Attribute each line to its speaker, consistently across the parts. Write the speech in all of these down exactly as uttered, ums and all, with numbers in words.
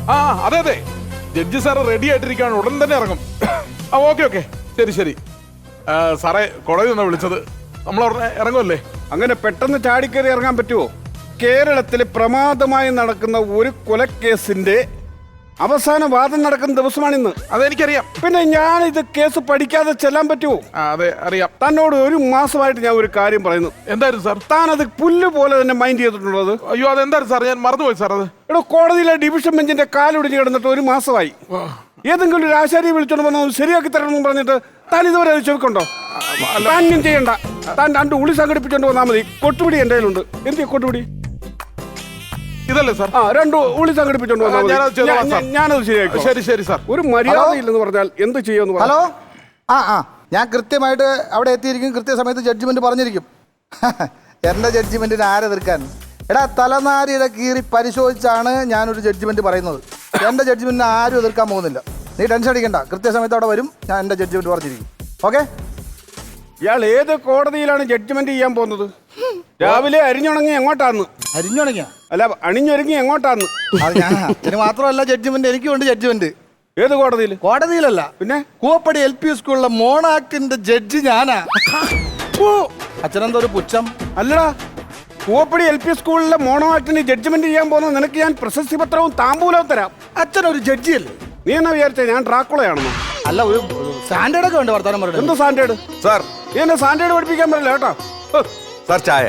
Speaker 1: ആ അതെ അതെ ജഡ്ജി സാറ് റെഡി ആയിട്ടിരിക്കുകയാണ്, ഉടൻ തന്നെ ഇറങ്ങും. ആ ഓക്കെ ഓക്കെ ശരി ശരി. സാറേ കോടതി നിന്നാ വിളിച്ചത്, നമ്മൾ ഉടനെ ഇറങ്ങുമല്ലേ?
Speaker 2: അങ്ങനെ പെട്ടെന്ന് ചാടിക്കയറി ഇറങ്ങാൻ പറ്റുമോ? കേരളത്തിൽ പ്രമാദമായി നടക്കുന്ന ഒരു കൊലക്കേസിന്റെ അവസാന വാദം നടക്കുന്ന ദിവസമാണിന്ന്.
Speaker 1: അതെനിക്കറിയാം.
Speaker 2: പിന്നെ ഞാൻ ഇത് കേസ് പഠിക്കാതെ ചെല്ലാൻ പറ്റുമോ?
Speaker 1: അതെ അറിയാം.
Speaker 2: തന്നോട് ഒരു മാസമായിട്ട് ഞാൻ ഒരു കാര്യം പറയുന്നു.
Speaker 1: എന്തായിരുന്നു സാർ?
Speaker 2: താൻ അത് പുല്ല് പോലെ തന്നെ മൈൻഡ് ചെയ്തിട്ടുള്ളത്.
Speaker 1: അയ്യോ അതെന്തായിരുന്നു സാർ, ഞാൻ മറന്നുപോയി സാർ. അത്
Speaker 2: ഇവിടെ കോടതിയിലെ ഡിവിഷൻ ബെഞ്ചിന്റെ കാലൊടിഞ്ഞ് കിടന്നിട്ട് ഒരു മാസമായി. ഏതെങ്കിലും ഒരു ആശാരിയെ വിളിച്ചോണ്ട് വന്ന് ശരിയാക്കി തരണമെന്ന് പറഞ്ഞിട്ട് താൻ ഇതുവരെ അത് ചെവിക്കുണ്ടോ? താനും ചെയ്യണ്ട, താൻ രണ്ട് ഉളി സംഘടിപ്പിച്ചോണ്ട് വന്നാൽ മതി. കൊട്ടുപിടി എന്റെ കയ്യിലുണ്ട്. എന്തിയാ കൊട്ടുപിടി?
Speaker 1: ഇതല്ലേ സാർ?
Speaker 2: ആ രണ്ട് ഉളി സംഘടിപ്പിച്ചോണ്ട് വന്നാൽ മതി. ഞാനത് ശരിയാക്കി.
Speaker 1: ശരി ശരി സാർ.
Speaker 2: ഒരു മര്യാദ ഇല്ലെന്ന് പറഞ്ഞാൽ എന്ത് ചെയ്യുമെന്ന്.
Speaker 3: ഹലോ, ആ ആ ഞാൻ കൃത്യമായിട്ട് അവിടെ എത്തിയിരിക്കും, കൃത്യസമയത്ത് ജഡ്ജ്മെന്റ് പറഞ്ഞിരിക്കും. എന്റെ ജഡ്ജ്മെന്റിന് ആരെ എതിർക്കാൻ? എടാ തലനാരിയുടെ കീറി പരിശോധിച്ചാണ് ഞാനൊരു ജഡ്ജ്മെന്റ് പറയുന്നത്. എന്റെ ജഡ്ജ്മെന്റിന് ആരും എതിർക്കാൻ പോകുന്നില്ല. നീ ടെൻഷൻ അടിക്കണ്ട, കൃത്യസമയത്ത് അവിടെ വരും. ഞാൻ എന്റെ ജഡ്ജ്മെന്റ് പറഞ്ഞിരിക്കും. ഓക്കെ.
Speaker 2: ഇയാൾ ഏത് കോടതിയിലാണ് ജഡ്ജ്മെന്റ് ചെയ്യാൻ പോകുന്നത്? രാവിലെ അരിഞ്ഞുണങ്ങി എങ്ങോട്ടാന്ന്?
Speaker 3: അരിഞ്ഞുണങ്ങിയ
Speaker 2: അല്ല, അണിഞ്ഞൊരുങ്ങി എങ്ങോട്ടാന്ന്?
Speaker 3: അത് ഞാൻ ഇതിന് മാത്രമല്ല ജഡ്ജ്മെന്റ്, എനിക്കുണ്ട് ജഡ്ജ്മെന്റ്.
Speaker 2: ഏത് കോടതിയിൽ?
Speaker 3: കോടതിയിലല്ല,
Speaker 2: പിന്നെ
Speaker 3: കൂവപ്പടി എൽ പി സ്കൂളിലെ മോണാക്ടിന്റെ ജഡ്ജി ഞാനാ. ഓ അച്ഛനെന്തോ ഒരു പുച്ഛം.
Speaker 2: അല്ലടാ, കൂവപ്പടി എൽ പി സ്കൂളിലെ മോണോ ആക്ടിന് ജഡ്ജ്മെന്റ് ചെയ്യാൻ പോകുന്നത് നിനക്ക് ഞാൻ പ്രശസ്തി പത്രവും താമ്പൂലവും തരാം.
Speaker 3: അച്ഛനൊരു ജഡ്ജിയല്ലേ?
Speaker 2: നീ എന്നാ വിചാരിച്ച ഞാൻ ഡ്രാക്കുളയാണെന്നോ?
Speaker 3: അല്ല, ഒരു സ്റ്റാൻഡേർഡ് ഒക്കെ ഉണ്ട് വർത്താനം പറയുന്നത്.
Speaker 2: എന്ത് സ്റ്റാൻഡേർഡ്?
Speaker 4: സാർ
Speaker 2: നീ എന്നെ സ്റ്റാൻഡേർഡ് പഠിപ്പിക്കാൻ പറ്റില്ല കേട്ടോ.
Speaker 4: സാർ ചായ.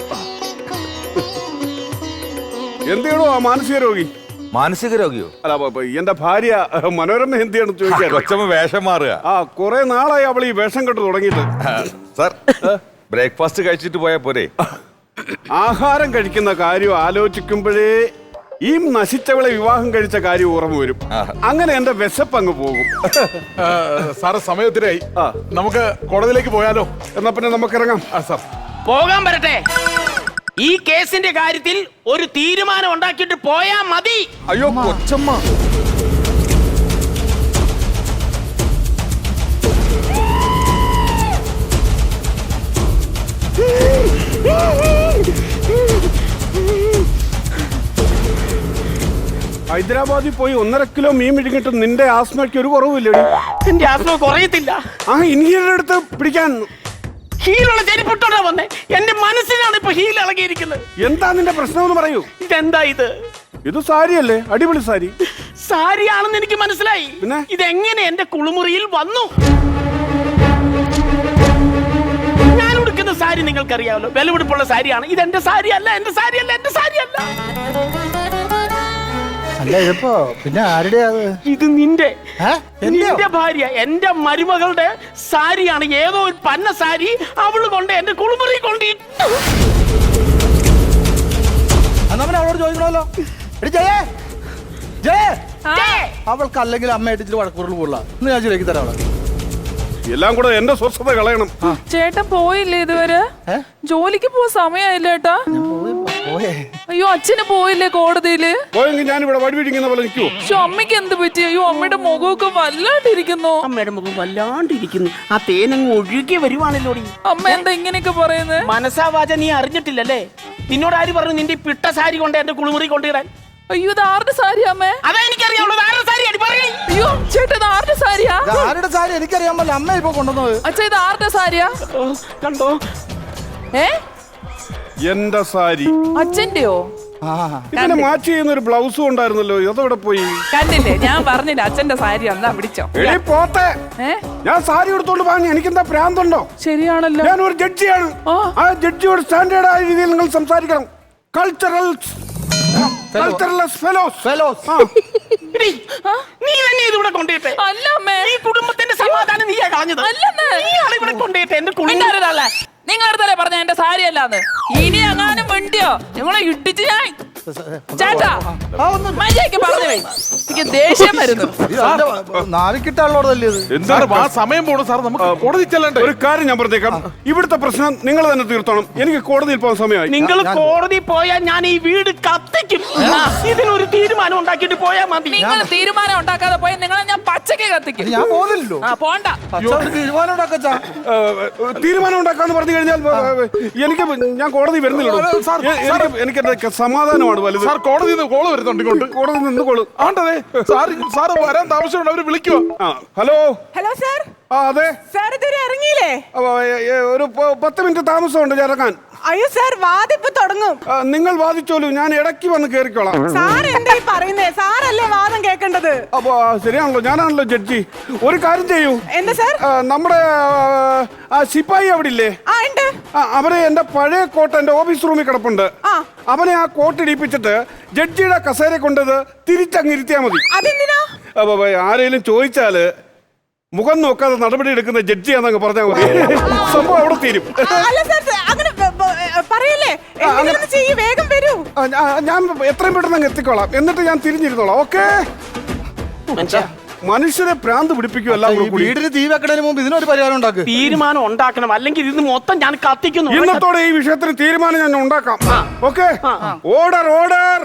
Speaker 2: എന്ത് ചെയ്യണോ ആ മാനസിക രോഗി?
Speaker 4: മാനസിക രോഗിയോ?
Speaker 2: അല്ല, എന്റെ ഭാര്യ മനോരമ എന്തിയാണ് ചോദിക്കാൻ.
Speaker 4: കൊച്ചമ്മ വേഷം മാറുക.
Speaker 2: ആ കുറെ നാളായി അവൾ ഈ വേഷം കെട്ട് തുടങ്ങിയിട്ട്.
Speaker 4: സാർ ബ്രേക്ക്ഫാസ്റ്റ് കഴിച്ചിട്ട് പോയാ പോരെ?
Speaker 2: ആഹാരം കഴിക്കുന്ന കാര്യം ആലോചിക്കുമ്പോഴേ ഈ നശിച്ചവളെ വിവാഹം കഴിച്ച കാര്യം ഓർമ്മ വരും. അങ്ങനെ എന്റെ വിശപ്പ് അങ്ങ് പോകും.
Speaker 1: സാറ് സമയത്തിനായി, നമുക്ക് കോടതിയിലേക്ക് പോയാലോ?
Speaker 2: എന്നാ പിന്നെ നമുക്ക് ഇറങ്ങാം.
Speaker 1: ആ സാർ
Speaker 5: പോകാൻ വരട്ടെ. ഈ കേസിന്റെ കാര്യത്തിൽ ഒരു തീരുമാനം ഉണ്ടാക്കിയിട്ട് പോയാ മതി.
Speaker 4: അയ്യോ കൊച്ചമ്മ.
Speaker 2: ഹൈദരാബാദിൽ പോയി ഒന്നര കിലോ മീൻ പിടിക്കിട്ട് നിന്റെ ആസ്മയ്ക്ക് ഒരു കുറവില്ലടി.
Speaker 5: എന്റെ ആസ്മ കുറയത്തില്ല.
Speaker 2: ആ ഇൻഹീലർ എടുത്ത് പിടിക്കാൻ.
Speaker 5: ഹീലുള്ള ചെരിപ്പിട്ടോടാ വന്നേ. എന്റെ മനസ്സിനാണ് ഇപ്പൊ ഹീൽ ഇളകിയിരിക്കുന്നത്.
Speaker 2: എന്താ നിന്റെ പ്രശ്നം എന്ന് പറയൂ.
Speaker 5: ഇതെന്താ ഇത്?
Speaker 2: ഇത് സാരിയല്ലേ? അടിപൊളി സാരി.
Speaker 5: സാരിയാണെന്ന് എനിക്ക് മനസ്സിലായി.
Speaker 2: പിന്നെ
Speaker 5: ഇതെങ്ങനെ എന്റെ കുളിമുറിയിൽ വന്നു? ഞാൻ ഉടുക്കുന്ന സാരി നിങ്ങൾക്കറിയാമല്ലോ, വിലപിടിപ്പുള്ള സാരിയാണ്. ഇത് എന്റെ സാരി അല്ല, എന്റെ സാരി അല്ല, എന്റെ സാരി അല്ല.
Speaker 3: അല്ല ഇതിപ്പോ പിന്നെ ആരുടെ?
Speaker 5: ഇത് നിന്റെ നിന്റെ ഭാര്യ, എന്റെ മരുമകളുടെ സാരിയാണ്. ഏതോ ഒരു പന്ന സാരി അവള് കൊണ്ട് എന്റെ കുളിമുറി കൊണ്ടിട്ടു.
Speaker 3: അവളോട് ചോദിക്കണമല്ലോ. അവൾക്ക് അല്ലെങ്കിൽ അമ്മയായിട്ട് ഇച്ചിരി വഴക്കുറൽ കൊള്ളാം. ഇന്ന് ഞാൻ ശരിയാക്കി തരാം അവളെ.
Speaker 2: എല്ലാം കൂടെ എന്റെ സ്വസ്ഥത കളയണം.
Speaker 6: ചേട്ടൻ പോയില്ലേ ഇതുവരെ? ജോലിക്ക് പോവാൻ സമയമായില്ല ഏട്ടാ. അയ്യോ അച്ഛന് പോയില്ലേ കോടതിയില്?
Speaker 2: പോയെങ്കിൽ ഞാൻ ഇവിടെ വഴിപിടിക്കുന്ന പോലെ നിൽക്കുവോ?
Speaker 6: പക്ഷെ അമ്മയ്ക്ക് എന്ത് പറ്റി? അയ്യോ അമ്മയുടെ മുഖമൊക്കെ വല്ലാണ്ടിരിക്കുന്നു.
Speaker 5: അമ്മയുടെ മുഖം വല്ലാണ്ടിരിക്കുന്നു. ആ തേനങ്ങ് ഒഴുകി വരുവാണല്ലോ.
Speaker 6: അമ്മ എന്താ ഇങ്ങനെയൊക്കെ പറയുന്നത്?
Speaker 5: മനസാവാച നീ അറിഞ്ഞിട്ടില്ലല്ലേ? നിന്നോട് ആര് പറഞ്ഞു നിന്റെ പിട്ട സാരി കൊണ്ട് എന്റെ കുളിമുറി കൊണ്ടിടാൻ?
Speaker 6: അയ്യോ ഇത് ആരുടെ സാരി അമ്മേ?
Speaker 5: അതാ എനിക്കറിയാവുള്ളത്. ആരുടെ സാരി അടി പറയണേ.
Speaker 6: അയ്യോ ചേട്ടാ ഇത് ആരുടെ സാരിയാ?
Speaker 3: ആരുടെ സാരി എനിക്കറിയാൻ പറ്റില്ല. അമ്മ ഇപ്പൊ കൊണ്ടുവന്നത്.
Speaker 6: അച്ഛാ ഇത് ആരുടെ സാരിയാ?
Speaker 5: കണ്ടോ?
Speaker 6: ഏ
Speaker 2: എന്റെ സാരി
Speaker 6: അച്ഛന്റെയോ?
Speaker 2: ഇതിനെ മാച്ച് ചെയ്യുന്ന ഒരു ബ്ലൗസും ഉണ്ടായിരുന്നല്ലോ, അതെവിടെ പോയി?
Speaker 6: കണ്ടില്ലേ, ഞാൻ പറഞ്ഞില്ല അച്ഛന്റെ സാരി എന്നാ പിടിച്ചോ.
Speaker 2: എടീ പോത്തെ, ഞാൻ സാരി എടുത്തോണ്ട് വാങ്ങി. എനിക്കെന്താ ഭ്രാന്തുണ്ടോ?
Speaker 6: ശരിയാണല്ലോ,
Speaker 2: ഞാൻ ഒരു ജഡ്ജിയാണ്. ആ ജഡ്ജിയോട് സ്റ്റാൻഡേർഡ് ആയ രീതിയിൽ നിങ്ങൾ സംസാരിക്കണം. കൾച്ചറൽ
Speaker 5: നീ തന്നെ ഇതിവിടെ കൊണ്ടിട്ടെ.
Speaker 6: അല്ല അമ്മേ,
Speaker 5: ഈ കുടുംബത്തിന്റെ സമാധാനം നീയാ കളഞ്ഞത്. നീയാണ് ഇവിടെ കൊണ്ടിട്ടെ എന്റെ കുളിമുറി.
Speaker 6: നിങ്ങളടുത്തല്ലേ പറഞ്ഞ എന്റെ സാരി അല്ലാന്ന്. ഇനി എങ്ങാനും വേണ്ടിയോ നിങ്ങളെ ഇട്ടിച്ച് ഞാൻ ചേട്ടാ മര്യാദയ്ക്ക് പറഞ്ഞു. എനിക്ക് ദേഷ്യം വരുന്നു.
Speaker 3: നാവിക്കിട്ടുള്ളതല്ലേ
Speaker 1: സമയം പോണു സാർ, നമുക്ക് കോടതി ചെല്ലണ്ടേ?
Speaker 2: ഒരു കാര്യം ഞാൻ പറഞ്ഞേക്കാം, ഇവിടുത്തെ പ്രശ്നം നിങ്ങൾ തന്നെ തീർത്തോണം. എനിക്ക് കോടതിയിൽ പോകാൻ സമയമായി.
Speaker 5: നിങ്ങൾ കോടതി പോയാൽ ഞാൻ ഈ വീട് കത്തിക്കും. ഇതിനൊരു തീരുമാനം ഉണ്ടാക്കിയിട്ട് പോയാൽ മതി.
Speaker 6: നിങ്ങൾ തീരുമാനം ഉണ്ടാക്കാതെ പോയാൽ നിങ്ങളെ ഞാൻ പച്ചക്ക് കത്തിക്കും.
Speaker 3: ഞാൻ പോകുന്നില്ലല്ലോ.
Speaker 6: ആ പോണ്ട.
Speaker 3: തീരുമാനം ഉണ്ടാക്കാ
Speaker 2: തീരുമാനം ഉണ്ടാക്കാന്ന് പറഞ്ഞു കഴിഞ്ഞാൽ എനിക്ക് ഞാൻ കോടതി വരുന്നില്ലല്ലോ. എനിക്ക് എനിക്ക് സമാധാനമാണ് നിയമമാണ് വലുത്.
Speaker 1: സാർ കോടതിയിൽ നിന്ന് കോള് വരുന്നുണ്ട് ഇങ്ങോട്ട്.
Speaker 2: കോടതി നിന്ന് കൊള്ളു.
Speaker 1: ആണ്ടതേ സാർ സാർ വരാൻ താമസമുണ്ട്, അവര് വിളിക്കുവോ?
Speaker 2: ആ ഹലോ.
Speaker 7: Hello sir.
Speaker 2: ആ അതെ
Speaker 7: സാർ ഇതുവരെ ഇറങ്ങിയില്ലേ?
Speaker 2: അപ്പൊ, ഏ, ഏ, ഒരു പ- പത്ത് മിനിറ്റ് താമസമുണ്ട് ഞാൻ ഇറങ്ങാൻ.
Speaker 7: അയ്യോ സാർ, വാദിപ്പ് തുടങ്ങും.
Speaker 2: ആ, നിങ്ങൾ വാദിച്ചോളൂ, ഞാൻ ഇടയ്ക്ക് വന്ന് കേറിക്കോളാം.
Speaker 7: സാർ എന്തായി പറയുന്നേ? സാറല്ലേ വാദം കേൾക്കേണ്ടത്.
Speaker 2: അപ്പൊ ആ, ശരിയാണല്ലോ, ഞാനാണല്ലോ ജഡ്ജി. ഒരു കാര്യം ചെയ്യൂ.
Speaker 7: എന്താ സാർ?
Speaker 2: ആ, നമ്മുടെ ആ, ആ സിപ്പായി അവിടെ ഇല്ലേ?
Speaker 7: ആ ഉണ്ട്.
Speaker 2: ആ, അവരെ എന്റെ പഴയ കോട്ട് എന്റെ ഓഫീസ് റൂമിൽ കിടപ്പുണ്ട്.
Speaker 7: ആ.
Speaker 2: അവനെ ആ കോട്ട് ഇടിപ്പിച്ചിട്ട് ജഡ്ജിയുടെ കസേര കൊണ്ടത് തിരിച്ചങ്ങിരുത്തിയാ മതി.
Speaker 7: അതെന്തിനാ?
Speaker 2: അപ്പൊ ആരെങ്കിലും ചോദിച്ചാല് മുഖം നോക്കാതെ നടപടി എടുക്കുന്ന ജഡ്ജിയാന്നങ്ങ് പറഞ്ഞാൽ മതി. സംഭവം അവിടെ തീരും.
Speaker 7: ആ, അല്ല സാർ, അങ്ങനെ ബ- ബ- പറയല്ലേ. എന്തെങ്കിലും ചെയ്യ്, വേഗം വരൂ.
Speaker 2: ആ, ഞാ- ഞാൻ എത്രയും പെട്ടെന്ന് അങ്ങ് എത്തിക്കോളാം. എന്നിട്ട് ഞാൻ തിരിഞ്ഞിരുന്നോളാം. ഓക്കെ. മനുഷ്യരെ ഭ്രാന്ത് പിടിപ്പിക്കുമല്ല
Speaker 3: ഈ വീടിന് തീ വെക്കണതിന് മുമ്പ് ഇതിനൊരു പരിഹാരം ഉണ്ടാക്കുക.
Speaker 5: തീരുമാനം ഉണ്ടാക്കണം, അല്ലെങ്കിൽ ഇത് മൊത്തം ഞാൻ കത്തിക്കുന്നു.
Speaker 2: ഇന്നത്തോടെ ഈ വിഷയത്തിന് തീരുമാനം ഞാൻ ഉണ്ടാക്കാം. ഓക്കെ. Order order.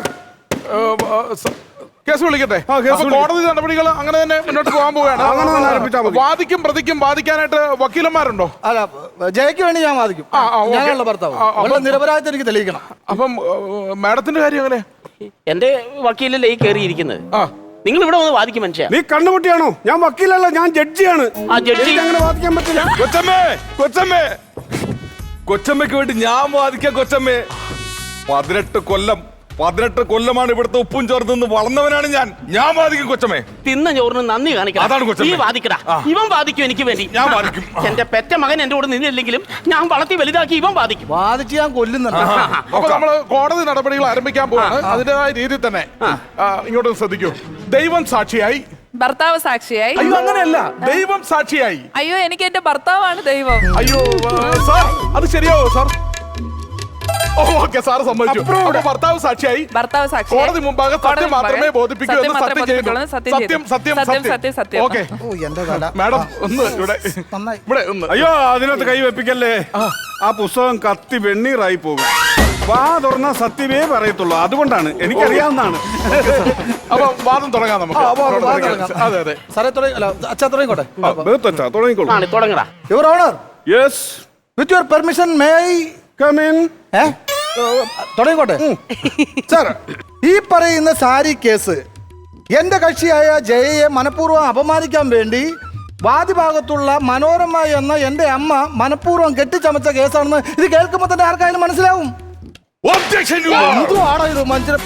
Speaker 1: കേസ് വിളിക്കട്ടെ.
Speaker 2: ആ, കേസ്
Speaker 1: അപ്പൊ
Speaker 2: വിളിക്കാം.
Speaker 1: കോടതി നടപടികൾ അങ്ങനെ തന്നെ മുന്നോട്ട് പോകാൻ പോവുകയാണ്.
Speaker 2: അങ്ങനെ തന്നെ ആരംഭിച്ചാൽ മതി.
Speaker 1: വാദിക്കും പ്രതിക്കും വാദിക്കാനായിട്ട് വക്കീലന്മാരുണ്ടോ?
Speaker 3: അല്ല, ജയക്ക് വേണ്ടി ഞാൻ വാദിക്കും.
Speaker 1: ആ, ആ, ഓക്കേ.
Speaker 3: ഞാനുള്ള ഭർത്താവ്.
Speaker 1: ആ, ആ,
Speaker 3: അവളുടെ നിരപരാധിത്വം എനിക്ക് തെളിയിക്കണം.
Speaker 1: അപ്പം ഏഹ്, മാഡത്തിന്റെ കാര്യം എങ്ങനെ?
Speaker 5: എന്റെ വക്കീലല്ലേ ഈ കയറിയിരിക്കുന്നത്.
Speaker 1: ആ
Speaker 5: നിങ്ങൾ ഇവിടെ വന്ന് വാദിക്കും മനുഷ്യ.
Speaker 2: നീ കണ്ണുമുട്ടിയാണോ? ഞാൻ വക്കീലല്ല, ഞാൻ ജഡ്ജിയാണ്.
Speaker 5: ആ ജഡ്ജി
Speaker 2: എനിക്ക് അങ്ങനെ വാദിക്കാൻ പറ്റില്ല.
Speaker 4: കൊച്ചമ്മേ കൊച്ചമ്മേ കൊച്ചമ്മയ്ക്ക് വേണ്ടി ഞാൻ വാദിക്കാം. കൊച്ചമ്മേ, പതിനെട്ട് കൊല്ലം പതിനെട്ട് കൊല്ലമാണ് ഇവിടുത്തെ ഉപ്പും ചോർന്ന് നിന്ന് വളർന്നവനാണ് ഞാൻ. ഞാൻ വാദിക്കും കൊച്ചമ്മേ.
Speaker 5: തിന്ന ചോറിന് നന്ദി
Speaker 4: അതാണ്
Speaker 5: കാണിക്കണം.
Speaker 4: കൊച്ചമ്മേ.
Speaker 5: നീ വാദിക്കടാ.
Speaker 4: ആ.
Speaker 5: ഇവൻ വാദിക്കും എനിക്ക് വേണ്ടി.
Speaker 4: ഞാൻ വാദിക്കും.
Speaker 5: എന്റെ പെറ്റ മകൻ എന്റെ കൂടെ നിന്നില്ലെങ്കിലും ഞാൻ വളർത്തി വലുതാക്കി ഇവൻ വാദിക്കും.
Speaker 3: വാദിച്ച് ഞാൻ കൊല്ലുന്നുണ്ട്.
Speaker 1: അപ്പൊ നമ്മള് കോടതി നടപടികൾ ആരംഭിക്കാൻ പോവാണ്. അതിന്റേതായ രീതിയിൽ തന്നെ ആ, ഇങ്ങോട്ട് ശ്രദ്ധിക്കൂ. ദൈവം സാക്ഷിയായി.
Speaker 6: ഭർത്താവ് സാക്ഷിയായി.
Speaker 1: അയ്യോ അങ്ങനെയല്ല, ദൈവം സാക്ഷിയായി.
Speaker 6: അയ്യോ എനിക്ക് എന്റെ ഭർത്താവാണ് ദൈവം.
Speaker 1: അയ്യോ ആ, സാർ അത് ശരിയാവോ സാർ? ഓക്കെ സാർ സമ്മതിച്ചു. അപ്പൊ ഭർത്താവ് സാക്ഷിയായി.
Speaker 6: ഭർത്താവ് സാക്ഷി.
Speaker 1: കോടതി മുമ്പാകെ സത്യം മാത്രമേ ബോധിപ്പിക്കൂ എന്ന് സത്യം ചെയ്യുന്നു.
Speaker 6: സത്യം
Speaker 1: സത്യം സത്യം
Speaker 6: സത്യം സത്യം സത്യം.
Speaker 1: ഓക്കെ
Speaker 3: ഓ എന്റെ തല.
Speaker 1: മാഡം ഒന്ന് ഇവിടെ
Speaker 3: നന്നായി.
Speaker 1: ഇവിടെ ഒന്ന്.
Speaker 2: അയ്യോ അതിനകത്ത് കൈ വെപ്പിക്കല്ലേ. ആ പുസ്തകം കത്തി വെണ്ണീറായി പോകും. വാ തുറന്ന സത്യമേ പറയത്തുള്ളൂ. അതുകൊണ്ടാണ്, എനിക്കറിയാവുന്നതാണ്.
Speaker 1: അപ്പൊ വാദം തുടങ്ങാം നമുക്ക്.
Speaker 3: ആ, വാദം തുടങ്ങാം.
Speaker 1: അതെ അതെ.
Speaker 3: സാറേ തുടങ്ങി. അല്ല, അച്ഛാ തുടങ്ങിക്കോട്ടെ.
Speaker 2: ബഹുത്തച്ഛാ തുടങ്ങിക്കോളൂ.
Speaker 5: ആണ് തുടങ്ങടാ.
Speaker 3: Your honour,
Speaker 2: yes
Speaker 3: with your permission may I
Speaker 2: come in.
Speaker 3: ഏ? തുടങ്ങിക്കോട്ടെ. സാർ, ഈ പറയുന്ന സാരി കേസ് എന്റെ കക്ഷിയായ ജയയെ മനഃപൂർവ്വം അപമാനിക്കാൻ വേണ്ടി വാദിഭാഗത്തുള്ള മനോരമ എന്ന എന്റെ അമ്മ മനഃപൂർവ്വം കെട്ടിച്ചമച്ച കേസാണെന്ന് ഇത് കേൾക്കുമ്പോൾ തന്നെ ആർക്കായാലും മനസ്സിലാവും.
Speaker 4: ഒബ്ജക്ഷൻ
Speaker 3: എന്തുവാണോ ഇത് മനുഷ്യരെ?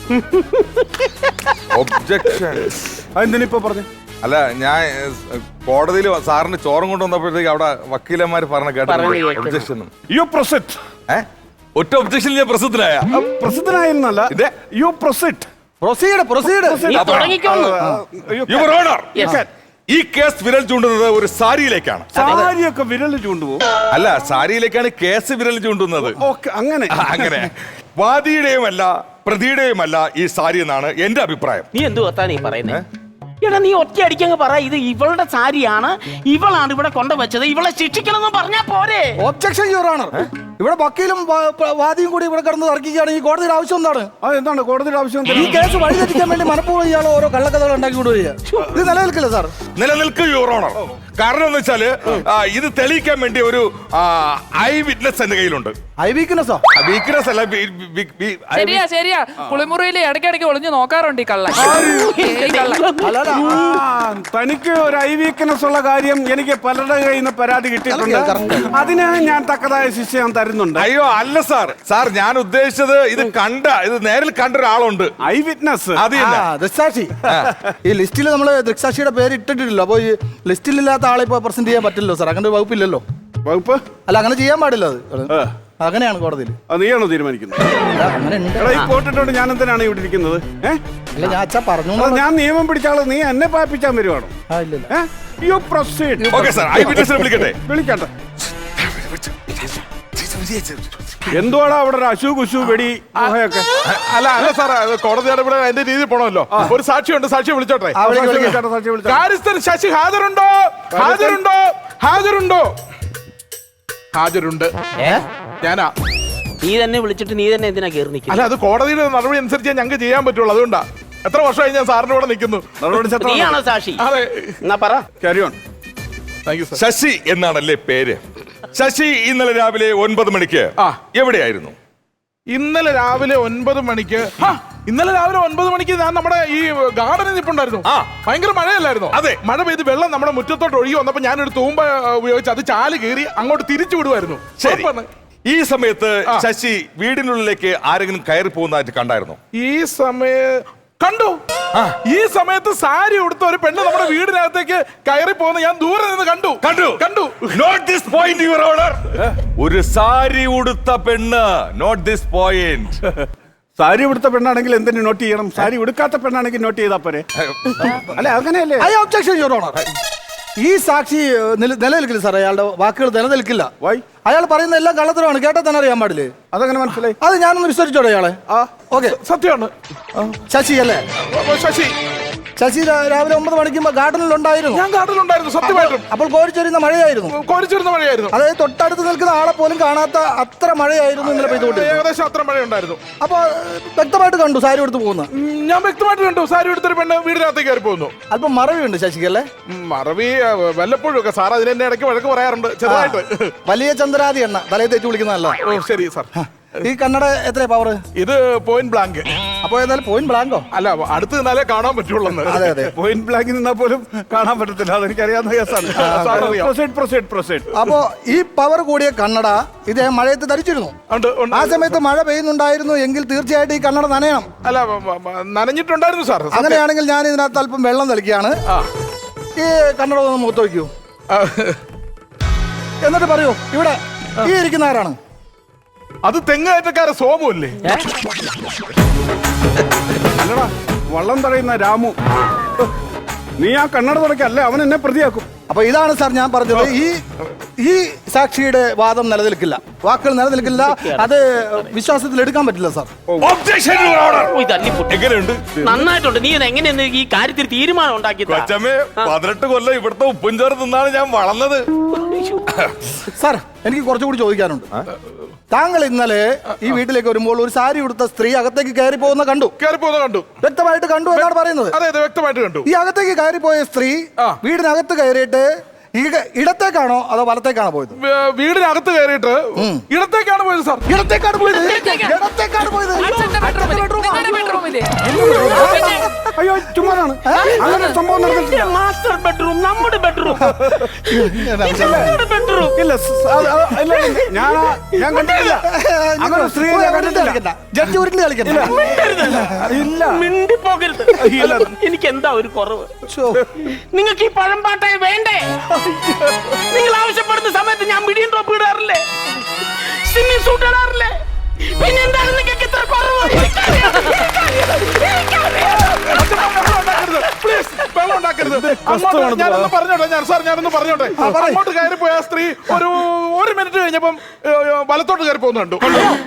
Speaker 4: ഒബ്ജക്ഷൻ.
Speaker 2: അതെന്തിനിപ്പോ പറഞ്ഞു?
Speaker 4: അല്ല, ഞാൻ കോടതിയിൽ സാറിന് ചോറും കൊണ്ടുവന്നപ്പോഴത്തേക്ക് അവിടെ വക്കീലന്മാർ പറഞ്ഞ
Speaker 5: പറഞ്ഞു
Speaker 4: കേട്ടോ
Speaker 5: കേട്ടു.
Speaker 4: ഒബ്ജക്ഷൻ.
Speaker 2: You proceed.
Speaker 4: ഏ ഒറ്റ ഒബ്ജക്ഷൻ ഞാൻ പ്രസിദ്ധനായ.
Speaker 2: പ്രസിദ്ധനായിരുന്നല്ല,
Speaker 4: ഇതെ.
Speaker 2: You proceed.
Speaker 3: Proceed proceed.
Speaker 5: നീ തുടങ്ങിക്കോന്ന്.
Speaker 4: യുവർ ഓണർ, ഈ കേസ് വിരൽ ചൂണ്ടുന്നത് ഒരു സാരിയിലേക്കാണ്.
Speaker 2: സാരിയൊക്കെ വിരൽ ചൂണ്ടുപോകും.
Speaker 4: അല്ല, സാരിയിലേക്കാണ് കേസ് വിരൽ ചൂണ്ടുന്നത്.
Speaker 2: ഓക്കെ അങ്ങനെ.
Speaker 4: ആ, അങ്ങനെ വാദിയുടെയുമല്ല പ്രതിയുടെയുമല്ല ഈ സാരി എന്നാണ് എന്റെ അഭിപ്രായം.
Speaker 5: നീ എന്തു കത്താ നീ പറയുന്നേ? എടാ നീ ഒറ്റ അടിക്കങ്ങ് പറ, ഇത് ഇവളുടെ സാരിയാണ്, ഇവളാണ് ഇവിടെ കൊണ്ടുവച്ചത്, ഇവളെ ശിക്ഷിക്കണമെന്ന് പറഞ്ഞാ പോരെ?
Speaker 3: Objection your honour. ഇവിടെ വക്കീലും വാ- പ- വാദിയും കൂടി ഇവിടെ കിടന്ന് തർക്കിക്കുകയാണ്. ഈ കോടതിയുടെ ആവശ്യം എന്താണ്?
Speaker 2: അത് എന്താണ് കോടതിയുടെ ആവശ്യം?
Speaker 3: ഈ കേസ് വഴിതെറ്റിക്കാൻ വേണ്ടി മനഃപൂർവ്വം ഇയാൾ ഓരോ കള്ളക്കഥകൾ ഉണ്ടാക്കി കൊണ്ടുവരിക. ഇത് നിലനിൽക്കില്ല സാർ.
Speaker 4: നിലനിൽക്കും യുവർ ഓണർ. കാരണം എന്ന് വെച്ചാല് ആ, ഇത് തെളിയിക്കാൻ വേണ്ടി ഒരു ഐ വിറ്റ്നസ് എന്റെ കയ്യിലുണ്ട്.
Speaker 3: ഐ വീക്ക്നെസ്സോ?
Speaker 4: വീക്ക്നെസ് അല്ല, ബി- ബി- ബി- eye
Speaker 6: ശരിയാ ശരിയാ. കുളിമുറിയിൽ ഇടയ്ക്കിടയ്ക്ക് ഒളിഞ്ഞു നോക്കാറുണ്ട് ഈ കള്ളൻ. ഈ കള്ളൻ.
Speaker 3: അല്ലല്ല.
Speaker 2: ആ, തനിക്ക് ഒരു ഐ വീക്ക്നെസ് ഉള്ള കാര്യം എനിക്ക് പലരുടെ കയ്യിൽ നിന്ന് പരാതി കിട്ടിയിട്ടുണ്ട്. അതിന് ഞാൻ തക്കതായ ശിക്ഷ ഞാൻ തരുന്നുണ്ട്.
Speaker 4: അയ്യോ അല്ല സാർ, സാർ ഞാൻ ഉദ്ദേശിച്ചത് ഇത് കണ്ട ഇത് നേരിൽ കണ്ട ഒരാളുണ്ട്.
Speaker 2: Eye witness.
Speaker 4: അത് തന്നെ.
Speaker 3: ആ, ദൃക്സാക്ഷി. ഈ ലിസ്റ്റിൽ നമ്മൾ ദൃക്സാക്ഷിയുടെ പേര് ഇട്ടിട്ടില്ലല്ലോ. അപ്പോൾ ഈ ലിസ്റ്റിലില്ലാത്ത ആളെ ഇപ്പോൾ പ്രസന്റ് ചെയ്യാൻ പറ്റില്ലല്ലോ സാർ. അങ്ങനെ ഒരു വകുപ്പില്ലല്ലോ.
Speaker 2: വകുപ്പ്
Speaker 3: അല്ല, അങ്ങനെ ചെയ്യാൻ പാടില്ല. അത്
Speaker 2: ആ,
Speaker 3: അങ്ങനെയാണ് കോടതിയിൽ.
Speaker 2: അത് നീയാണോ തീരുമാനിക്കുന്നത്?
Speaker 3: അല്ല, അങ്ങനെ ഉണ്ട്.
Speaker 2: എടാ ഈ കോട്ടിട്ടോണ്ട് ഞാൻ എന്തിനാണ് ഇവിടെ ഇരിക്കുന്നത്? ഏ?
Speaker 3: അല്ല, ഞാൻ അച്ഛാ പറഞ്ഞു.
Speaker 2: എടാ, ഞാൻ നിയമം പിടിച്ചാള്, നീ എന്നെ പായിപ്പിച്ചാൻ വരുവാണോ?
Speaker 3: ആ, ഇല്ലില്ല.
Speaker 2: You proceed.
Speaker 4: Okay sir, eye വിറ്റ്നസിനെ വിളിക്കട്ടെ.
Speaker 2: വിളിക്കട്ടെ. എന്തുവാടാ അവിടെ ഒരു അശു കുശു വെടി ഗുഹയൊക്കെ?
Speaker 1: അല്ല അല്ല സാറേ, അത് കോടതി നടപടി അതിന്റെ രീതിയിൽ പോണമല്ലോ. ഒരു സാക്ഷിയുണ്ട്, സാക്ഷിയെ വിളിച്ചോട്ടെ.
Speaker 3: ആ, വിളിക്ക്, വിളിക്ക്.
Speaker 2: വിളിച്ചോട്ടെ, സാക്ഷി വിളിച്ചോട്ടെ.
Speaker 1: കാര്യസ്ഥൻ ശശി ഹാജരുണ്ടോ? ഹാജരുണ്ടോ? ഹാജരുണ്ടോ? ഹാജരുണ്ട്.
Speaker 5: ഏ?
Speaker 1: ഞാനാ.
Speaker 5: നീ തന്നെ വിളിച്ചിട്ട് നീ തന്നെ എന്തിനാ കയറി നിൽക്കുന്നത്?
Speaker 1: അല്ല, അത് കോടതിയുടെ നടപടി അനുസരിച്ച് ഞങ്ങൾക്ക് ചെയ്യാൻ പറ്റുള്ളൂ. അതുകൊണ്ടാ. എത്ര വർഷമായി ഞാൻ സാറിന്റെ കൂടെ നിൽക്കുന്നു.
Speaker 2: നടപടി ചട്ടം.
Speaker 5: നീയാണോ സാക്ഷി?
Speaker 1: അതെ.
Speaker 5: എന്നാ പറ.
Speaker 2: Carry on.
Speaker 1: Thank you sir.
Speaker 4: Sasi എന്നാണല്ലേ പേര്? ശശി ഇന്നലെ രാവിലെ ഒൻപത് മണിക്ക്
Speaker 1: ആ.
Speaker 4: എവിടെയായിരുന്നു?
Speaker 1: ഇന്നലെ രാവിലെ ഒൻപത് മണിക്ക് ഹാ, ഇന്നലെ രാവിലെ ഒൻപത് മണിക്ക് ഞാൻ നമ്മുടെ ഈ ഗാർഡനിൽ നിൽപ്പുണ്ടായിരുന്നു.
Speaker 4: ആ.
Speaker 1: ഭയങ്കര മഴയല്ലായിരുന്നു?
Speaker 4: അതെ.
Speaker 1: മഴ പെയ്ത് വെള്ളം നമ്മുടെ മുറ്റത്തോട്ട് ഒഴുകി വന്നപ്പോ ഞാനൊരു തൂമ്പ ആ, ഉപയോഗിച്ച് അത് ചാല് കീറി അങ്ങോട്ട് തിരിച്ചു വിടുമായിരുന്നു.
Speaker 4: ശരി.
Speaker 1: ഉറപ്പാണ്.
Speaker 4: ഈ സമയത്ത്
Speaker 1: ആ.
Speaker 4: ശശി വീടിനുള്ളിലേക്ക് ആരെങ്കിലും കയറി പോകുന്നതായിട്ട് കണ്ടായിരുന്നോ?
Speaker 1: ഈ സമയ കണ്ടു. ഈ സമയത്ത് സാരി ഉടുത്ത ഒരു പെണ്ണ് നമ്മുടെ വീടിനകത്തേക്ക് കയറി പോകുന്ന ഞാൻ ദൂരെ നിന്ന് കണ്ടു
Speaker 4: കണ്ടു
Speaker 1: കണ്ടു
Speaker 4: note this point your honour. ഒരു സാരി ഉടുത്ത പെണ്ണ്. Note this point.
Speaker 2: സാരി ഉടുത്ത പെണ്ണാണെങ്കിൽ എന്തിനു നോട്ട് ചെയ്യണം? സാരി ഉടുക്കാത്ത പെണ്ണാണെങ്കിൽ നോട്ട് ചെയ്താ പോരെ? അല്ല അങ്ങനെയല്ലേ?
Speaker 3: I objection your honour. ഈ സാക്ഷി നില- നിലനിൽക്കില്ല സാർ. അയാളുടെ വാക്കുകൾ നിലനിൽക്കില്ല.
Speaker 2: വൈ?
Speaker 3: അയാൾ പറയുന്ന എല്ലാം കള്ളത്തരമാണ്. കേട്ടാൽ തന്നെ അറിയാൻ പാടില്ലേ?
Speaker 2: അതങ്ങനെ മനസ്സിലായി?
Speaker 3: അത് ഞാനൊന്ന് വിസ്തരിച്ചോടെ അയാളെ.
Speaker 2: ആ
Speaker 3: ഓക്കെ.
Speaker 1: സത്യമാണ്.
Speaker 3: ശശി അല്ലേ?
Speaker 1: ഓ, ശശി
Speaker 3: ശശി രാ- രാവിലെ ഒമ്പത് മണിക്ക് ഗാർഡനിൽ ഉണ്ടായിരുന്നു.
Speaker 1: ഞാൻ കാട്ടിലുണ്ടായിരുന്നു സത്യമായിട്ടും.
Speaker 3: അപ്പോൾ കോരിച്ചൊരിയുന്ന മഴയായിരുന്നു.
Speaker 1: കോരിച്ചിരുന്ന മഴയായിരുന്നു.
Speaker 3: അതായത് തൊട്ടടുത്ത് നിൽക്കുന്ന ആളെ പോലും കാണാത്ത അത്ര മഴയായിരുന്നു ഇന്നലെ പെയ്തുകൊണ്ട്.
Speaker 1: ഏകദേശം അത്ര മഴയുണ്ടായിരുന്നു.
Speaker 3: അപ്പൊ വ്യക്തമായിട്ട് കണ്ടു സാരി എടുത്ത് പോകുന്ന.
Speaker 1: ഉം, ഞാൻ വ്യക്തമായിട്ട് കണ്ടു സാരി എടുത്തൊരു പെണ്ണ് വീടിനകത്തേക്ക് കയറി പോകുന്നു.
Speaker 3: അല്പം മറവിയുണ്ട് ശശിക്കല്ലേ?
Speaker 1: ഉം, മറവി ആ, വല്ലപ്പോഴും ഒക്കെ സാർ അതിനെ എന്നെ ഇടയ്ക്ക് വഴക്ക് പറയാറുണ്ട് ചെറുതായിട്ട്.
Speaker 3: വലിയ ചന്ദ്രാതി എണ്ണ തലയിൽ തേച്ച് വിളിക്കുന്നതല്ല.
Speaker 1: ഓ ശരി സാർ.
Speaker 3: ഈ കണ്ണട എത്ര പവർ?
Speaker 1: ഇത് പോയിന്റ് ബ്ലാങ്ക്.
Speaker 3: അപ്പൊ ഏതായാലും പോയിന്റ് ബ്ലാങ്കോ?
Speaker 1: അല്ല അടുത്ത് നിന്നാലേ കാണാൻ പറ്റുള്ളൂ.
Speaker 3: അതെ അതെ.
Speaker 2: പോയിന്റ് ബ്ലാങ്കിൽ നിന്നാൽ പോലും കാണാൻ പറ്റത്തില്ല. അതെനിക്ക് അറിയാവുന്ന കേസാണ്.
Speaker 1: സാർ അറിയാം.
Speaker 2: Proceed proceed proceed.
Speaker 3: അപ്പോ ഈ പവർ കൂടിയ കണ്ണട ഇദ്ദേഹം മഴയത്ത് ധരിച്ചിരുന്നു.
Speaker 1: ഉണ്ട്, ഉണ്ട്.
Speaker 3: ആ സമയത്ത് മഴ പെയ്യുന്നുണ്ടായിരുന്നു എങ്കിൽ തീർച്ചയായിട്ടും ഈ കണ്ണട നനയണം.
Speaker 1: അല്ല മ- മ- മ- നനഞ്ഞിട്ടുണ്ടായിരുന്നു സാർ. സത്യം.
Speaker 3: അങ്ങനെയാണെങ്കിൽ ഞാൻ ഇതിനകത്ത് അല്പം വെള്ളം തളിക്കുകയാണ്.
Speaker 1: ആ.
Speaker 3: ഈ കണ്ണട ഒന്ന് മുഖത്ത് വയ്ക്കൂ.
Speaker 1: ആ,
Speaker 3: എന്നിട്ട് പറയൂ, ഇവിടെ ഈ ഇരിക്കുന്ന ആരാണ്?
Speaker 1: അത് തെങ്ങേറ്റക്കാരെ സോമല്ലേ?
Speaker 2: അല്ലടാ, വള്ളം തടയുന്ന രാമു. നീ ആ കണ്ണട തുടക്കല്ലേ അവൻ എന്നെ പ്രതിയാക്കും.
Speaker 3: അപ്പൊ ഇതാണ് സാർ ഞാൻ പറഞ്ഞത്. ഈ ഈ സാക്ഷിയുടെ വാദം നിലനിൽക്കില്ല, വാക്കുകൾ നിലനിൽക്കില്ല. അത് വിശ്വാസത്തിൽ എടുക്കാൻ പറ്റില്ല സാർ.
Speaker 4: Objection your honour.
Speaker 5: ഓ, ഇത് അല്ലിപ്പൊട്ടി.
Speaker 4: എങ്ങനെയുണ്ട്
Speaker 5: നന്നായിട്ടുണ്ട്. നീ ഇത് എങ്ങനെയെന്ന് ഈ കാര്യത്തിൽ തീരുമാനം ഉണ്ടാക്കിയത്?
Speaker 4: കൊച്ചമ്മേ? പതിനെട്ട് കൊല്ലം ഇവിടുത്തെ ഉപ്പും ചോറ് തിന്നാണ് ഞാൻ വളർന്നത്.
Speaker 3: സാർ എനിക്ക് കുറച്ചുകൂടി ചോദിക്കാനുണ്ട്. താങ്കൾ ഇന്നലെ ഈ വീട്ടിലേക്ക് വരുമ്പോൾ ഒരു സാരി ഉടുത്ത സ്ത്രീ അകത്തേക്ക് കയറി പോകുന്ന കണ്ടു.
Speaker 1: കയറി പോകുന്നത് കണ്ടു.
Speaker 3: വ്യക്തമായിട്ട് കണ്ടു എന്നാണ് പറയുന്നത്.
Speaker 1: അതെ അതെ വ്യക്തമായിട്ട് കണ്ടു.
Speaker 3: ഈ അകത്തേക്ക് കയറിപ്പോയ സ്ത്രീ
Speaker 1: ആ.
Speaker 3: വീടിനകത്ത് കയറിയിട്ട് ഇക- ഇടത്തേക്കാണോ അതോ വലത്തേക്കാണോ പോയത്?
Speaker 1: വേ- വീടിനകത്ത് കയറിയിട്ട് ഇടത്തേക്കാണ് പോയത് സാർ.
Speaker 3: ഇടത്തേക്കാണ് പോയത്.
Speaker 6: ഇടത്തേക്കാ?
Speaker 3: ഇടത്തേക്കാണ് പോയത്.
Speaker 6: അച്ഛന്റെ ബെഡ്റൂമില്. നിങ്ങളുടെ ബെഡ്റൂമില്.
Speaker 2: അയ്യോ ചുമ്മാതാണ്. അങ്ങനെ ഒരു സംഭവം നടന്നിട്ടില്ല.
Speaker 5: മാസ്റ്റർ ബെഡ്റൂം, നമ്മുടെ ബെഡ്റൂം, നമ്മുടെ ബെഡ്റൂം.
Speaker 2: ഇല്ല സ് അത് അത് ഇല്ല, ഇല്ല. ഞാൻ ആ- ഞാൻ കണ്ടിട്ടില്ല. അങ്ങനെ ഒരു സ്ത്രീയെ ഞാൻ കണ്ടിട്ടില്ല.
Speaker 3: ജഡ്ജി ഉരുണ്ട് കളിക്കണ്ട.
Speaker 2: ഇല്ല.
Speaker 5: മിണ്ടിപ്പോകരുത്.
Speaker 2: ഇല്ല.
Speaker 5: എനിക്ക് എന്താ ഒരു കുറവ്?
Speaker 3: ശോ.
Speaker 5: നിങ്ങൾക്ക് ഈ പഴംപാട്ടായി വേണ്ടേ? നിങ്ങൾ ആവശ്യപ്പെടുന്ന സമയത്ത് ഞാൻ മിഡിയം ടോപ്പ് ഇടാറില്ലേ? സ്വിമ്മിംഗ് സൂട്ട് ഇടാറില്ലേ? പിന്നെ എന്താണ് നിങ്ങൾക്ക് ഇത്ര കുറവ്?
Speaker 1: പ്ലീസ് വെള്ളം ഉണ്ടാക്കരുത്. അങ്ങോട്ട് ഞാനൊന്ന് പറഞ്ഞോട്ടെ. ഞാൻ സാർ ഞാനൊന്ന് പറഞ്ഞോട്ടെ. അങ്ങോട്ട് കയറി പോയ ആ സ്ത്രീ ഒരു ഒരു മിനിറ്റ് കഴിഞ്ഞപ്പം ഏ, ഏ, വലത്തോട്ട് കയറി പോകുന്നു കണ്ടു.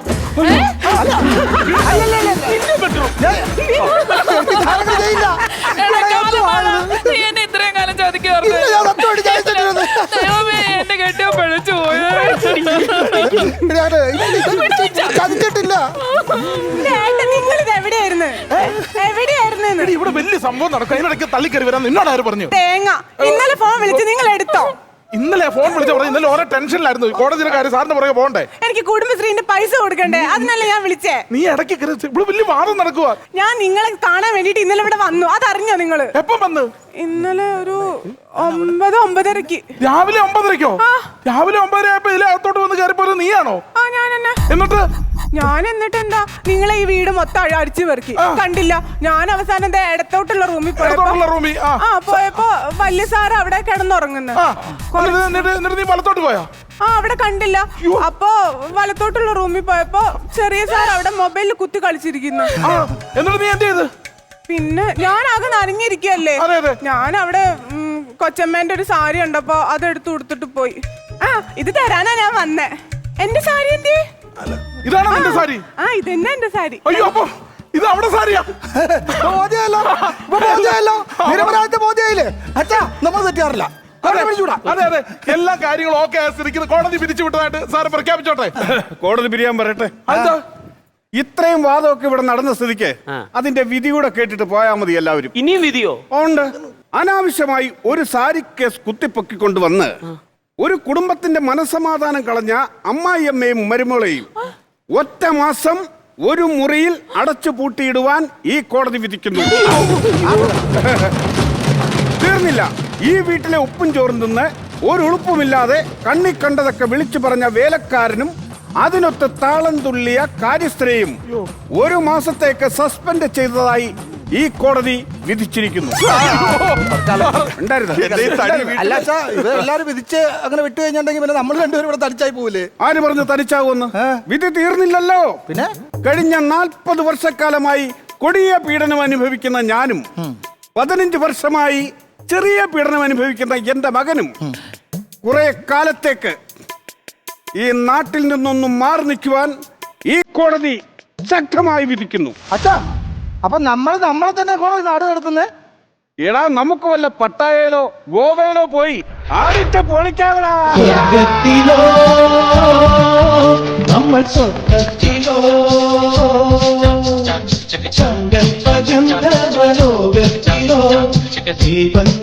Speaker 3: ഞാനങ്ങനെ ചെയ്യില്ല.
Speaker 6: എടാ, കാലമാണ്. നീ എന്നെ ഇത്രയും കാലം ചതിക്കുവായിരുന്നു.
Speaker 3: ഇല്ല, ഞാൻ സത്യമായിട്ട് ചെയ്തിട്ടില്ലെന്ന്.
Speaker 6: ദൈവമേ, എന്റെ കെട്ടിയോ പിഴച്ചു പോയോ?
Speaker 3: ഞാന് ചതിച്ചിട്ടില്ല.
Speaker 7: നിങ്ങൾ ഇത് എവിടെയായിരുന്നു എവിടെയായിരുന്നു
Speaker 1: എടി, ഇവിടെ വലിയ സംഭവം നടക്കും. അതിനിടയ്ക്ക് തള്ളിക്കറി വരാൻ നിന്നോട് ആര് പറഞ്ഞു?
Speaker 7: തേങ്ങ ഇന്നലെ ഫോൺ വിളിച്ച് നിങ്ങൾ എടുത്തോ?
Speaker 1: ഇന്നലെ ഫോൺ വിളിച്ച പറഞ്ഞു. ഇന്നലെ ഓരോ ടെൻഷനിലായിരുന്നു. കോടതിയിലെ കാര്യം സാറിന്റെ പുറകെ പോകണ്ടേ?
Speaker 7: എനിക്ക് കുടുംബശ്രീന്റെ പൈസ കൊടുക്കണ്ടേ? അതിനല്ലേ ഞാൻ വിളിച്ചേ.
Speaker 1: നീ ഇടയ്ക്ക് കയറി ഇവിടെ വലിയ വാദം നടക്കുക.
Speaker 7: ഞാൻ നിങ്ങളെ കാണാൻ വേണ്ടിട്ട് ഇന്നലെ ഇവിടെ വന്നു. അതറിഞ്ഞോ നിങ്ങള്?
Speaker 1: എപ്പം വന്ന്?
Speaker 7: ഇന്നലെ ഒരു ഒമ്പത് ഒമ്പതരക്ക്.
Speaker 1: രാവിലെ ഒമ്പതരക്കോ? രാവിലെ ഒമ്പതര ആയപ്പോ ഇതിലെ അകത്തോട്ട് വന്ന് കയറിപ്പോയത് നീയാണോ?
Speaker 7: ആ ഞാൻ എന്നെ
Speaker 1: എന്നിട്ട്
Speaker 7: ഞാൻ എന്നിട്ട് എന്താ നിങ്ങളെ ഈ വീട് മൊത്തം അഴ- അടിച്ചു പെറുക്കി കണ്ടില്ല. ഞാൻ അവസാനം ദേ ഇടത്തോട്ടുള്ള റൂമിൽ പോയപ്പോ
Speaker 1: ഇടത്തോട്ടുള്ള റൂമിൽ ആ
Speaker 7: ആ പോയപ്പോ വലിയ സാറ് അവിടെ കിടന്നുറങ്ങുന്നു.
Speaker 1: ആ. എന്നിട്ട് എന്നിട്ട് എന്നിട്ട് നീ വലത്തോട്ട് പോയോ?
Speaker 7: ആ അവിടെ കണ്ടില്ല. അപ്പൊ വലത്തോട്ടുള്ള റൂമിൽ പോയപ്പോ ചെറിയ സാർ അവിടെ മൊബൈലിൽ കുത്തി കളിച്ചിരിക്കുന്നു.
Speaker 1: ആ. എന്നിട്ട് നീ എന്ത് ചെയ്ത്?
Speaker 7: പിന്നെ ഞാൻ ആകെ നനഞ്ഞിരിക്കല്ലേ.
Speaker 1: അതെ, അതെ.
Speaker 7: ഞാൻ അവിടെ ഉം, കൊച്ചമ്മേന്റെ ഒരു സാരി ഉണ്ടപ്പോ അതെടുത്ത് കൊടുത്തിട്ട് പോയി. ആ ഇത് തരാനാ ഞാൻ വന്നേ. എന്റെ സാരി എന്തേ?
Speaker 1: ഇതാണ് നിന്റെ സാരി?
Speaker 7: ആ ഇതെന്നെ എന്റെ സാരി.
Speaker 1: അയ്യോ അപ്പൊ ഇത് അവിടെ സാരിയാ?
Speaker 3: ബോധ്യമല്ലോ. ഇപ്പൊ ബോധ്യമല്ലോ. നിരപരാധിത്വ ബോധ്യമായില്ലേ? അച്ഛാ നമ്മൾ തെറ്റാറില്ല.
Speaker 1: അതെ അതെ അതെ എല്ലാ കാര്യങ്ങളും ഓക്കെ ആയിരിക്കുന്നു. കോടതി പിരിച്ചു വിട്ടതായിട്ട് സാറ് പ്രഖ്യാപിച്ചോട്ടെ.
Speaker 2: കോടതി പിരിയാൻ പറയട്ടെ.
Speaker 1: അതെന്താ?
Speaker 2: ഇത്രയും വാദമൊക്കെ ഇവിടെ നടന്ന സ്ഥിതിക്ക് അതിന്റെ വിധി കൂടെ കേട്ടിട്ട് പോയാ മതി എല്ലാവരും.
Speaker 5: ഇനിയും വിധിയോ?
Speaker 2: ഉണ്ട്. അനാവശ്യമായി ഒരു സാരി കേസ് കുത്തിപ്പൊക്കിക്കൊണ്ടുവന്ന് ഒരു കുടുംബത്തിന്റെ മനസ്സമാധാനം കളഞ്ഞ അമ്മായിയമ്മയും മരുമകളെയും ഒറ്റ മാസം ഒരു മുറിയിൽ അടച്ചു പൂട്ടിയിടുവാൻ ഈ കോടതി വിധിക്കുന്നു. തീർന്നില്ല. ഈ വീട്ടിലെ ഉപ്പും ചോറും തിന്ന് ഒരു ഉളുപ്പുമില്ലാതെ കണ്ണി കണ്ടതൊക്കെ വിളിച്ചു പറഞ്ഞ വേലക്കാരനും അതിനൊത്ത് താളം തുള്ളിയ കാര്യസ്ഥരെയും ഒരു മാസത്തേക്ക് സസ്പെൻഡ് ചെയ്തതായി ഈ കോടതി വിധിച്ചിരിക്കുന്നു. ഉണ്ടായിരുന്നോ?
Speaker 1: എന്റെ ഈ തടി വീട്ടിൽ-
Speaker 3: അല്ല അച്ഛാ, ഇത് എല്ലാരും വിധിച്ച് അങ്ങനെ വിട്ടു കഴിഞ്ഞിട്ടുണ്ടെങ്കിൽ പിന്നെ നമ്മൾ രണ്ടുപേരും ഇവിടെ തടിച്ചായി പോവില്ലേ?
Speaker 2: ആര് പറഞ്ഞു തനിച്ചാവുമെന്ന്? വിധി തീർന്നില്ലല്ലോ.
Speaker 3: പിന്നെ
Speaker 2: കഴിഞ്ഞ നാൽപ്പത് വർഷക്കാലമായി കൊടിയ പീഡനം അനുഭവിക്കുന്ന ഞാനും പതിനഞ്ച് വർഷമായി ചെറിയ പീഡനം അനുഭവിക്കുന്ന എന്റെ മകനും കുറെ കാലത്തേക്ക് ഈ നാട്ടിൽ നിന്നൊന്നും മാറി നിൽക്കുവാൻ ഈ കോടതി ശക്തമായി വിധിക്കുന്നു.
Speaker 3: അച്ഛാ, അപ്പൊ നമ്മൾ നമ്മളെ തന്നെ കോടതി നാട് നടത്തുന്നേ?
Speaker 2: എടാ, നമുക്ക് വല്ല പട്ടായയിലോ ഗോവയിലോ പോയി ആടിച്ച പൊളിക്കാവടാ.
Speaker 8: സ്വർഗത്തിലോ നമ്മൾ സ്വർഗത്തിലോ സങ്കൽപ്പ ഗന്ധർവലോകത്തിലോ ദീപങ്ങൾ